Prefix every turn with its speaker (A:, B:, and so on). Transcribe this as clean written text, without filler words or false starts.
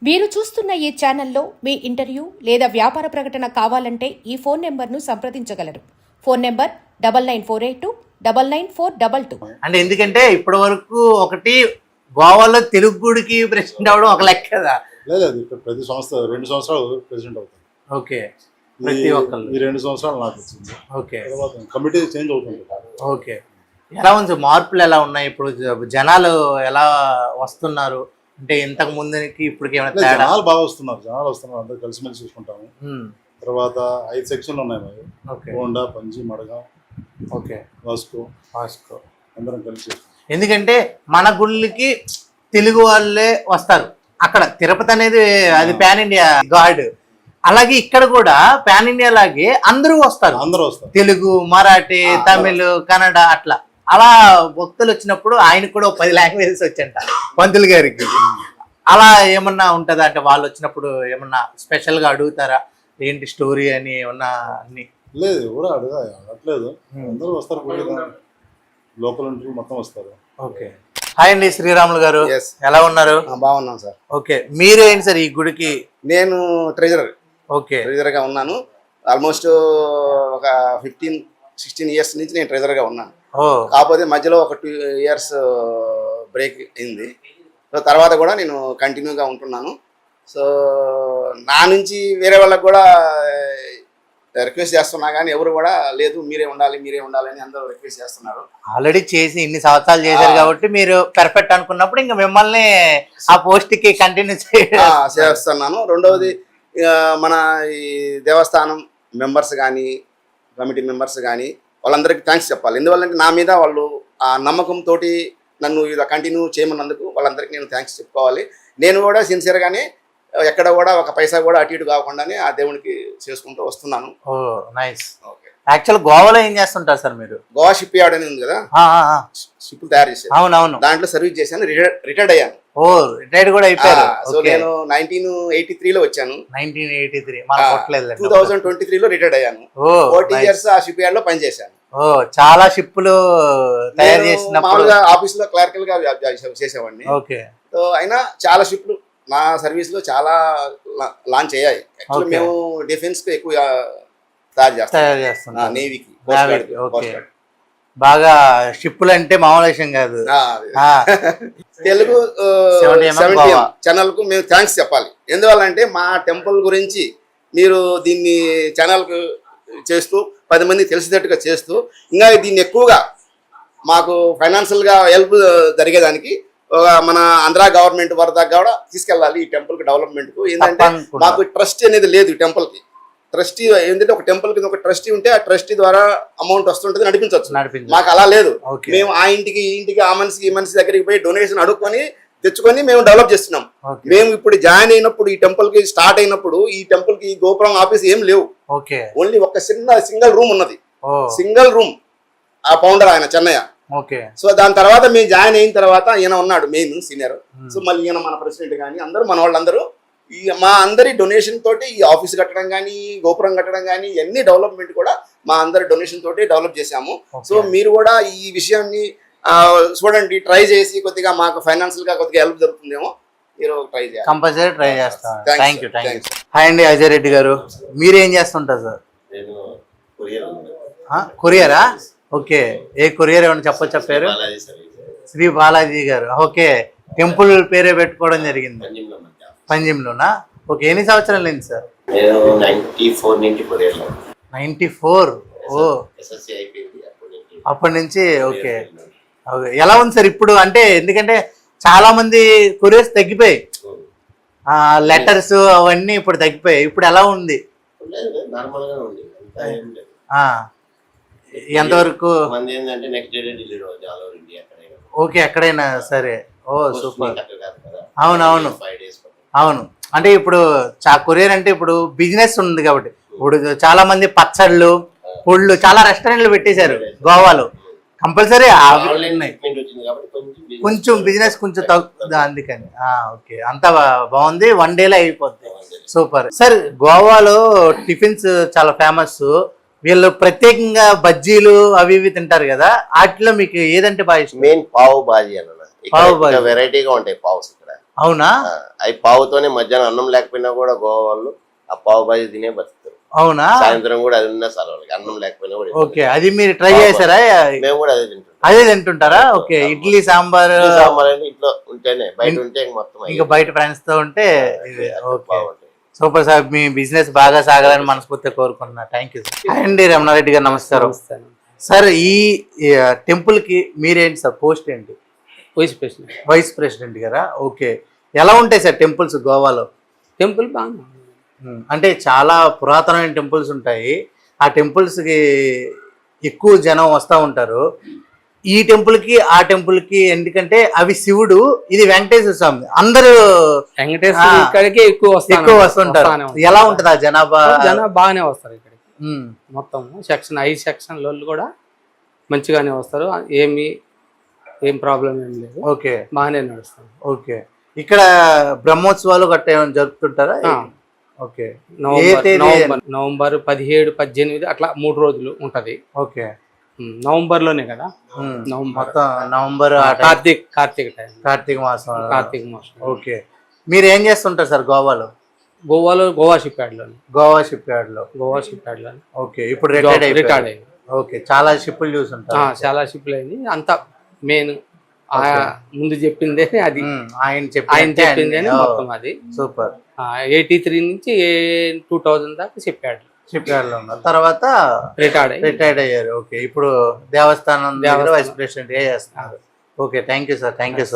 A: మీరు చూస్తున్న ఈ ఛానల్లో మీ ఇంటర్వ్యూ లేదా వ్యాపార ప్రకటన కావాలంటే ఈ ఫోన్ నెంబర్ను సంప్రదించగలరు. Phone number 9948299422.
B: అంటే ఎందుకంటే ఇప్పటి వరకు ఒకటి గోవాలో తెలుగు గుడికి ప్రెసిడెంట్ అవడం ఒక లెక్క కదా.
C: లేదు ప్రతి సంవత్సరం 2 సంవత్సరాలు ప్రెసిడెంట్ అవుతాను.
B: ఓకే, ప్రతి ఒక్కళ్ళు
C: ఈ 2 సంవత్సరాలు నాకు వచ్చింది.
B: ఓకే,
C: తర్వాత కమిటీ చేంజ్ అవుతుంది.
B: ఓకే, ఎలా ఉంది మార్పులు ఎలా ఉన్నాయి? ఇప్పుడు జనాలు ఎలా వస్తున్నారు అంటే ఇంతకు ముందుకి ఇప్పటికి ఏమైనా తేడా?
C: జనాలు బాగా వస్తున్నారు, అందరూ కలిసిమెలిసి చూసుకుంటాము. తర్వాత 5 సెక్షన్లు ఉన్నాయి మరి. హోండా, పంజి, మడగా,
B: ఓకే,
C: వాస్కో అందరం కలిసి.
B: ఎందుకంటే మన గుళ్ళకి తెలుగు వాళ్ళే వస్తారు. అక్కడ తిరుపతి అనేది అది పాన్ ఇండియా గాడ్, అలాగే ఇక్కడ కూడా పాన్ ఇండియా లాగే అందరూ వస్తారు. తెలుగు, మరాఠీ, తమిళ్, కన్నడ అట్లా. అలా భక్తులు వచ్చినప్పుడు ఆయనకు కూడా 10 లాంగ్వేజెస్ వచ్చంట పంతులు గారికి. అలా ఏమన్నా ఉంటుందా అంటే వాళ్ళు వచ్చినప్పుడు ఏమన్నా స్పెషల్ గా అడుగుతారా ఏంటి స్టోరీ అని ఏమన్నా? అన్ని
C: లేదు, ఎవరు అడగట్లేదు, అందరూ వస్తారు. లోకల్ ఇంటర్వ్యూ మొత్తం వస్తారు.
B: ఓకే, హాయ్ అండి శ్రీరాములు గారు, ఎలా ఉన్నారు?
D: బాగున్నాం సార్.
B: ఓకే, మీరేంటి సార్ ఈ గుడికి?
D: నేను ట్రెజరర్.
B: ఓకే,
D: ట్రెజరర్గా ఉన్నాను. ఆల్మోస్ట్ ఒక 15-16 ఇయర్స్ నుంచి నేను ట్రెజరర్గా ఉన్నాను. కాకపోతే మధ్యలో ఒక 2 ఇయర్స్ బ్రేక్ అయింది. సో తర్వాత కూడా నేను కంటిన్యూగా ఉంటున్నాను. సో నా నుంచి వేరే వాళ్ళకి కూడా రిక్వెస్ట్ చేస్తున్నా కానీ ఎవరు కూడా లేదు మీరే ఉండాలి అని అందరూ రిక్వెస్ట్ చేస్తున్నారు.
B: ఆల్రెడీ చేసి ఇన్ని సంవత్సరాలు చేశారు కాబట్టి మీరు పర్ఫెక్ట్ అనుకున్నప్పుడు ఇంకా మిమ్మల్ని ఆ పోస్ట్ కి కంటిన్యూ
D: చేస్తున్నాను. రెండవది మన ఈ దేవస్థానం మెంబర్స్ కానీ కమిటీ మెంబర్స్ కానీ వాళ్ళందరికీ థ్యాంక్స్ చెప్పాలి. ఎందువల్లంటే నా మీద వాళ్ళు ఆ నమ్మకంతో నన్ను ఇలా కంటిన్యూ చేయమన్నందుకు వాళ్ళందరికీ నేను థ్యాంక్స్ చెప్పుకోవాలి. నేను కూడా సిన్సియర్గానే ఎక్కడ కూడా ఒక పైసా కూడా అటు ఇటు కాకుండానే ఆ దేవునికి చేసుకుంటూ వస్తున్నాను.
B: నైస్. యాక్చువల్ గోవాలో ఏం చేస్తుంటారు సార్ మీరు?
D: గోవా షిప్ యార్డ్ అని ఉంది కదా, షిప్ తయారు చేశాను.
B: అవునవును,
D: దాంట్లో సర్వీస్ చేశాను, రిటైర్డ్ అయ్యాను.
B: రిటైర్డ్ కూడా అయిపోయారు.
D: సో నేను 1983లో వచ్చాను.
B: 1983
D: 2023లో రిటైర్డ్ అయ్యాను. 40 ఇయర్స్ ఆ షిప్ యార్డ్ లో పనిచేశాను.
B: చాలా షిప్పులు తయారు చేసిన
D: మామూలుగా ఆఫీస్ లో క్లర్కల్ గా చేసేవాడిని. సో అయినా చాలా షిప్లు నా సర్వీస్ లో చాలా లాంచ్ అయ్యాయి. యాక్చువల్లీ మేము డిఫెన్స్ కు ఎక్కువ తయారు చేస్తాం, నేవీకి.
B: బాగా షిప్పులు అంటే మామూలు విషయం కాదు.
D: తెలుగు 70 ఛానల్ కు మేము థ్యాంక్స్ చెప్పాలి. ఎందువల్లంటే మా టెంపుల్ గురించి మీరు దీన్ని ఛానల్ కు చేస్తూ 10 మంది తెలిసేటట్టుగా చేస్తూ ఇంకా దీన్ని ఎక్కువగా మాకు ఫైనాన్షియల్ గా హెల్ప్ జరిగేదానికి మన ఆంధ్ర గవర్నమెంట్ వరదా కూడా తీసుకెళ్ళాలి ఈ టెంపుల్ కి డెవలప్మెంట్ కు. ఏంటంటే మాకు ట్రస్టీ అనేది లేదు ఈ టెంపుల్ కి. ట్రస్టీ ఏంటంటే ఒక టెంపుల్ కింద ఒక ట్రస్టీ ఉంటే ఆ ట్రస్టీ ద్వారా అమౌంట్ వస్తుంటుంది, నడిపించవచ్చు. మాకు అలా లేదు. మేము ఆ ఇంటికి ఈ ఇంటికి ఆ మనిషికి ఈ మనిషి దగ్గరికి పోయి డొనేషన్ అడుక్కొని తెచ్చుకొని మేము డెవలప్ చేస్తున్నాం. మేము ఇప్పుడు జాయిన్ అయినప్పుడు ఈ టెంపుల్ కి స్టార్ట్ అయినప్పుడు ఈ టెంపుల్ కి గోపురం ఆఫీస్ ఏం లేవు. ఓన్లీ ఒక సింగిల్ రూమ్ ఉన్నది, సింగిల్ రూమ్. ఆ ఫౌండర్ ఆయన చెన్నయ్య. సో దాని తర్వాత మేము జాయిన్ అయిన తర్వాత ఈయన ఉన్నాడు మెయిన్ సీనియర్. సో మళ్ళీ ఈయన మన ప్రెసిడెంట్ కానీ అందరూ మన వాళ్ళందరూ మా అందరి డొనేషన్ తోటి ఈ ఆఫీస్ కట్టడం కానీ గోపురం కట్టడం కానీ ఇవన్నీ డెవలప్మెంట్ కూడా మా అందరి డొనేషన్ తోటి డెవలప్ చేశాము. సో మీరు కూడా ఈ విషయాన్ని చూడండి, ట్రై చేసి కొద్దిగా మాకు ఫైనాన్షియల్ గా కొద్దిగా హెల్ప్ దొరుకుతుందేమో. మీరు ట్రై చేయాలి,
B: కంపల్సరీ ట్రై చేస్తాం. Thank you. హాయ్ అండి అజయ్ రెడ్డి గారు, మీరేం చేస్తుంటారు సార్? కొరియరా? ఓకే, ఏ కొరియర్ ఏమన్నా చెప్పారు? శ్రీ బాలాజీ గారు. ఓకే, టెంపుల్ పేరే పెట్టుకోవడం జరిగింది పంజిమ్లోనా? ఓకే, ఎన్ని సంవత్సరాలు అయింది సార్? 94. అప్పటి నుంచి. ఓకే, ఎలా ఉంది సార్ ఇప్పుడు? అంటే ఎందుకంటే చాలా మంది కొరియర్స్ తగ్గిపోయాయి, లెటర్స్ అవన్నీ ఇప్పుడు తగ్గిపోయాయి. ఇప్పుడు ఎలా ఉంది? ఎంతవరకు? ఓకే, ఎక్కడైనా సరే. ఓ సూపర్. అవునవును. అంటే ఇప్పుడు కొరియర్ అంటే ఇప్పుడు బిజినెస్ ఉంది కాబట్టి ఇప్పుడు చాలా మంది పచ్చళ్ళు, పొళ్ళు, చాలా రెస్టారెంట్లు పెట్టేశారు గోవాలో. కంపల్సరీ కొంచెం బిజినెస్ కొంచెం తగ్గుతుంది అందుకని. ఓకే, అంతా బాగుంది, 1 డేలో అయిపోద్ది. Super sir. గోవాలో టిఫిన్స్ చాలా ఫేమస్. వీళ్ళు ప్రత్యేకంగా బజ్జీలు అవి ఇవి తింటారు కదా, వాటిలో మీకు ఏదంటే బాగా ఇష్టం?
D: మెయిన్ పావు బాజీ అన్న. వెరైటీగా ఉంటాయి పావుస్ ఇక్కడ.
B: అవునా?
E: అవి పావుతోనే మధ్యాహ్నం అన్నం లేకపోయినా కూడా గోవా వాళ్ళు ఆ పావు బాజీ తినే బతుకుతారు.
B: అవునా?
E: సాయంత్రం కూడా అది ఉన్నా సార్ వాళ్ళకి అన్నం లేకపోయినా కూడా
B: ఓకే, అది మీరు ట్రై చేశారా?
E: మేము కూడా అదే తింటాం.
B: అదే తింటుంటారా? ఓకే, ఇడ్లీ సాంబార్
E: సాంబార్ అంటే ఇంట్లో ఉంటేనే, బయట ఉంటే ఇంక మొత్తం
B: ఇంకా బయట ఫ్రెండ్స్ తో ఉంటే ఇది. ఓకే,
E: బాగుంటాయి.
B: సూపర్ సార్, మీ బిజినెస్ బాగా సాగాలని మనస్ఫూర్తిగా కోరుకుంటున్నా. Thank you sir. అండి రమణారెడ్డి గారు, నమస్కారం సార్. ఈ టెంపుల్ కి మీరేంటి సార్ పోస్ట్ ఏంటి? వైస్ ప్రెసిడెంట్ గారా? ఓకే, ఎలా ఉంటాయి సార్ టెంపుల్స్ గోవాలో?
F: టెంపుల్ బాగా
B: అంటే చాలా పురాతనమైన టెంపుల్స్ ఉంటాయి, ఆ టెంపుల్స్ కి ఎక్కువ జనం వస్తూ ఉంటారు. ఈ టెంపుల్ కి ఆ టెంపుల్ కి ఎందుకంటే అవి శివుడు, ఇది వెంకటేశ్వర స్వామి, అందరూ
F: వెంకటేశ్వర ఇక్కడికే ఎక్కువ
B: వస్తుంటారు. ఎలా ఉంటది ఆ జనాభా?
F: జనాభా బాగానే వస్తారు ఇక్కడికి. మొత్తం సెక్షన్ 5 సెక్షన్ వాళ్ళు కూడా మంచిగానే వస్తారు. ఏం ప్రాబ్లం ఏం లేదు.
B: ఓకే,
F: బాగానే నడుస్తారు.
B: ఓకే, ఇక్కడ బ్రహ్మోత్సవాలు గట్ట ఏమైనా జరుపుతుంటారా? ఓకే,
F: నవంబర్ 17, 18 అట్లా 3 రోజులు ఉంటది.
B: ఓకే,
F: నవంబర్ లోనే కదా,
B: మొత్తం నవంబర్ కార్తీక మాసం. ఓకే, మీరు ఏం చేస్తుంటారు సార్ గోవాలో?
F: గోవా షిప్ యార్డ్ లో.
B: ఓకే, ఇప్పుడు రిటైర్డ్
F: అయ్యింది.
B: ఓకే, చాలా షిప్పులు చూసుంటారు.
F: చాలా షిప్లు అయింది. అంతా మెయిన్ ముందు చెప్పిందే అది,
B: ఆయన
F: చెప్పిందే మొత్తం అది.
B: సూపర్.
F: 83 నుంచి 2000 దాకా షిప్ యార్డ్
B: లో ఉన్నారు. తర్వాత రిటైర్డ్ అయ్యారు. ఓకే, ఇప్పుడు దేవస్థానం వైస్ ప్రెసిడెంట్ చేస్తున్నారు. Okay, thank you sir. Thank you.